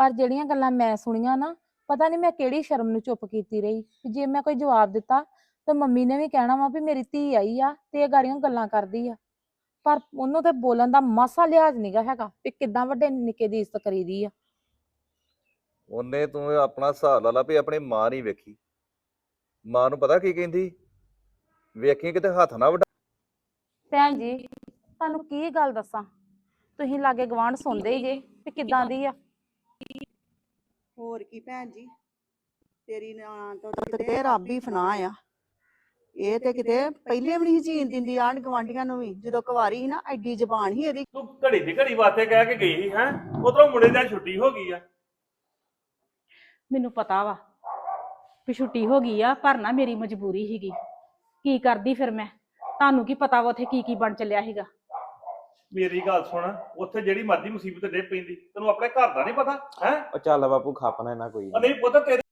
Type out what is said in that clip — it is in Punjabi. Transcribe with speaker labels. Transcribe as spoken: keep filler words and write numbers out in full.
Speaker 1: ਪਰ ਜਿਹੜੀਆਂ ਗੱਲਾਂ ਮੈਂ ਸੁਣੀਆਂ ਨਾ, ਪਤਾ ਨਹੀਂ ਮੈਂ ਕਿਹੜੀ ਸ਼ਰਮ ਨੂੰ ਚੁੱਪ ਕੀਤੀ ਰਹੀ। ਜੇ ਮੈਂ ਕੋਈ ਜਵਾਬ ਦਿੱਤਾ ਤਾਂ ਮੰਮੀ ਨੇ ਵੀ ਕਹਿਣਾ ਵਾ ਵੀ ਮੇਰੀ ਧੀ ਆਈ ਆ ਤੇ ਇਹ ਗਾੜੀਆਂ ਗੱਲਾਂ ਕਰਦੀ ਆ। ਪਰ ਉਹਨੂੰ ਤੇ ਬੋਲਣ ਦਾ ਮਾਸਾ ਲਿਹਾਜ਼ ਨਹੀਂਗਾ ਹੈਗਾ ਵੀ ਕਿੱਦਾਂ ਵੱਡੇ ਨਿੱਕੇ ਦੀ ਇੱਜ਼ਤ ਕਰੀਦੀ ਆ।
Speaker 2: ਉਹਨੇ ਤੂੰ ਆਪਣਾ ਹਿਸਾਬ ਲਾ ਲਾ ਵੀ ਆਪਣੀ ਮਾਂ ਨਹੀਂ ਵੇਖੀ। ਮਾਂ ਨੂੰ ਪਤਾ ਕੀ ਕਹਿੰਦੀ, ਵੇਖੀ ਕਿਤੇ ਹੱਥ ਨਾ ਵਡਾ।
Speaker 1: ਭੈਣ ਜੀ ਤੁਹਾਨੂੰ ਕੀ ਗੱਲ ਦੱਸਾਂ, ਤੁਸੀਂ ਲਾਗੇ ਗਵਾਂਢ ਸੁਣਦੇ ਹੀ ਜੇ ਵੀ ਕਿੱਦਾਂ ਦੀ ਆ।
Speaker 3: ਹੋਰ ਕੀ ਭੈਣ ਜੀ, ਤੇਰੀ ਨਾਂ ਤੋਂ ਤਾਂ ਕਿਤੇ ਰੱਬ ਹੀ ਫਨਾ ਆ। ਇਹ ਤੇ ਕਿਤੇ ਪਹਿਲੇ ਵੀ ਨਹੀਂ ਜੀਣ ਦਿੰਦੀ ਆਂਢ ਗਵਾਂਢੀਆਂ ਨੂੰ ਵੀ। ਜਦੋਂ ਕੁਵਾਰੀ ਸੀ ਨਾ ਐਡੀ ਜ਼ਬਾਨ ਸੀ ਇਹਦੀ।
Speaker 4: ਤੂੰ ਘੜੀ ਦੀ ਘੜੀ ਵਾਸਤੇ ਕਹਿ ਕੇ ਗਈ ਹੈ, ਉਧਰੋਂ ਮੁੰਡੇ ਦੀ ਛੁੱਟੀ ਹੋ ਗਈ ਆ।
Speaker 5: ਮੈਨੂੰ ਪਤਾ ਵਾ ਵੀ ਛੁੱਟੀ ਹੋ ਗਈ ਆ, ਪਰ ਨਾ ਮੇਰੀ ਮਜਬੂਰੀ ਸੀਗੀ। ਕੀ ਕਰਦੀ ਫਿਰ ਮੈਂ, ਤੁਹਾਨੂੰ ਕੀ ਪਤਾ ਵਾ ਉੱਥੇ ਕੀ ਕੀ ਬਣ ਚੱਲਿਆ ਸੀਗਾ।
Speaker 4: ਮੇਰੀ ਗੱਲ ਸੁਣ, ਉੱਥੇ ਜਿਹੜੀ ਮਰਜ਼ੀ ਮੁਸੀਬਤ ਡੇ ਪੈਂਦੀ, ਤੈਨੂੰ ਆਪਣੇ ਘਰ ਦਾ ਨਹੀਂ ਪਤਾ ਹੈ।
Speaker 6: ਉਹ ਚੱਲ ਬਾਪੂ ਖਾਪਣਾ ਨਾ ਕੋਈ
Speaker 4: ਨਹੀਂ ਪੁੱਤ ਤੇਰੇ